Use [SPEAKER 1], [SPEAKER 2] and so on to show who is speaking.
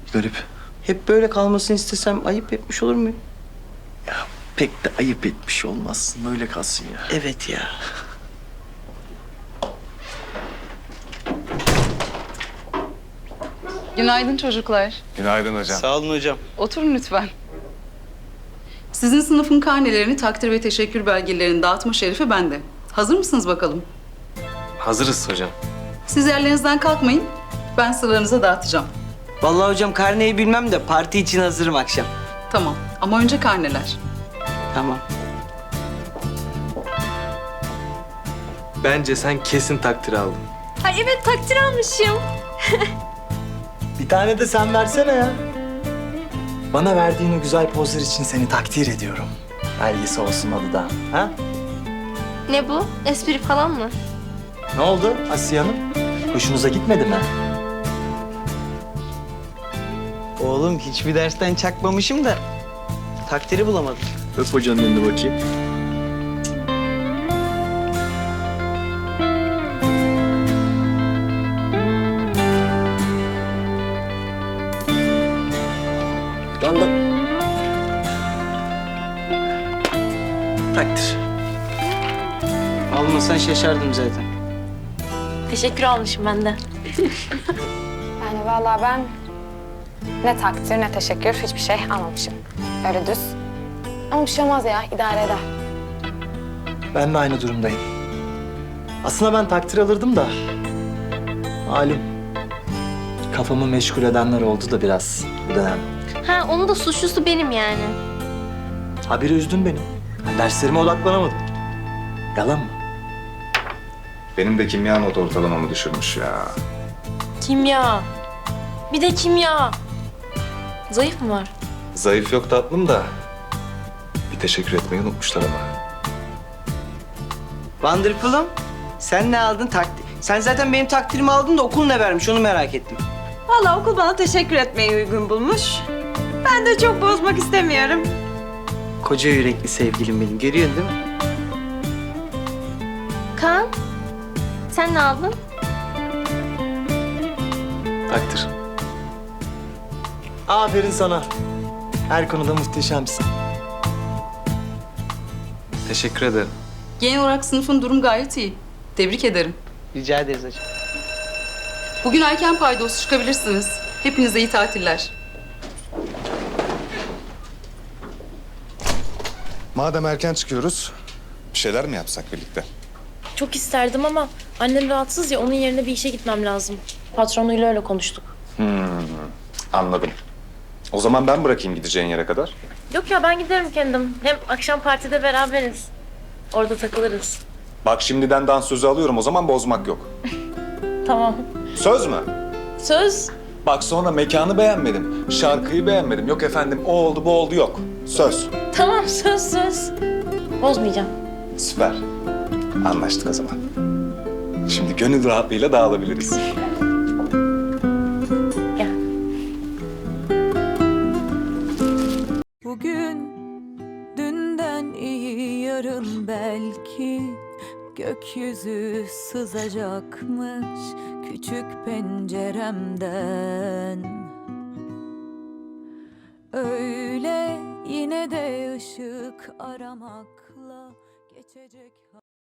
[SPEAKER 1] Garip.
[SPEAKER 2] Hep böyle kalmasını istesem ayıp etmiş olur muyum?
[SPEAKER 1] Ya pek de ayıp etmiş olmazsın. Böyle kalsın ya.
[SPEAKER 2] Evet ya.
[SPEAKER 3] Günaydın çocuklar.
[SPEAKER 4] Günaydın hocam.
[SPEAKER 2] Sağ olun hocam.
[SPEAKER 3] Oturun lütfen. Sizin sınıfın karnelerini, takdir ve teşekkür belgelerini dağıtma şerefi bende. Hazır mısınız bakalım?
[SPEAKER 5] Hazırız hocam.
[SPEAKER 3] Siz yerlerinizden kalkmayın. Ben sıralarınıza dağıtacağım.
[SPEAKER 2] Vallahi hocam karneyi bilmem de parti için hazırım akşam.
[SPEAKER 3] Tamam ama önce karneler.
[SPEAKER 2] Tamam.
[SPEAKER 5] Bence sen kesin takdir aldın.
[SPEAKER 6] Ay evet takdir almışım.
[SPEAKER 1] Bir tane de sen versene ya. Bana verdiğin o güzel pozlar için seni takdir ediyorum. Belgesi olsun adı da. Ha?
[SPEAKER 6] Ne bu? Espri falan mı?
[SPEAKER 1] Ne oldu Asiye Hanım? Hoşunuza gitmedi mi?
[SPEAKER 2] Oğlum hiçbir dersten çakmamışım da takdiri bulamadım.
[SPEAKER 1] Öp hocanın elini bakayım.
[SPEAKER 2] Lan. Takdir. Almasan şaşardım zaten.
[SPEAKER 6] Teşekkür almışım ben de.
[SPEAKER 7] Yani vallahi ben ne takdir ne teşekkür hiçbir şey almamışım. Öyle düz. Ama bir şey olmaz ya, idare eder.
[SPEAKER 1] Ben de aynı durumdayım. Aslında ben takdir alırdım da. Malum. Kafamı meşgul edenler oldu da biraz bu dönem.
[SPEAKER 6] Ha onun da suçlusu benim yani.
[SPEAKER 1] Habire üzdün beni. Ben derslerime odaklanamadım. Yalan mı?
[SPEAKER 4] Benim de kimya not ortalamamı düşürmüş ya.
[SPEAKER 6] Kimya. Bir de kimya. Zayıf mı var?
[SPEAKER 4] Zayıf yok tatlım da. Bir teşekkür etmeyi unutmuşlar ama.
[SPEAKER 2] Wonderful'um sen ne aldın takdir? Sen zaten benim takdirimi aldın da okul ne vermiş onu merak ettim.
[SPEAKER 8] Vallahi okul bana teşekkür etmeyi uygun bulmuş. Ben de çok bozmak istemiyorum.
[SPEAKER 2] Koca yürekli sevgilim benim görüyorsun değil mi?
[SPEAKER 6] Kaan, sen ne aldın?
[SPEAKER 5] Takdir.
[SPEAKER 1] Aferin sana. Her konuda muhteşemsin.
[SPEAKER 5] Teşekkür ederim.
[SPEAKER 3] Genel olarak sınıfın durum gayet iyi. Tebrik ederim.
[SPEAKER 2] Rica ederiz hocam.
[SPEAKER 3] Bugün erken paydos çıkabilirsiniz. Hepinize iyi tatiller.
[SPEAKER 4] Madem erken çıkıyoruz, bir şeyler mi yapsak birlikte?
[SPEAKER 9] Çok isterdim ama annem rahatsız ya onun yerine bir işe gitmem lazım. Patronuyla öyle konuştuk.
[SPEAKER 4] Anladım. O zaman ben bırakayım gideceğin yere kadar.
[SPEAKER 9] Yok ya ben giderim kendim. Hem akşam partide beraberiz. Orada takılırız.
[SPEAKER 4] Bak şimdiden dans sözü alıyorum, o zaman bozmak yok.
[SPEAKER 9] Tamam.
[SPEAKER 4] Söz mü?
[SPEAKER 9] Söz.
[SPEAKER 4] Bak sonra mekanı beğenmedim, şarkıyı beğenmedim. Yok efendim o oldu bu oldu yok. Söz.
[SPEAKER 9] Tamam söz. Bozmayacağım.
[SPEAKER 4] Süper. Anlaştık o zaman. Şimdi gönül rahatlığıyla dağılabiliriz.
[SPEAKER 9] Gel.
[SPEAKER 10] Bugün dünden iyi yarın belki gökyüzü sızacakmış küçük penceremden. Öyle yine de ışık aramakla geçecek.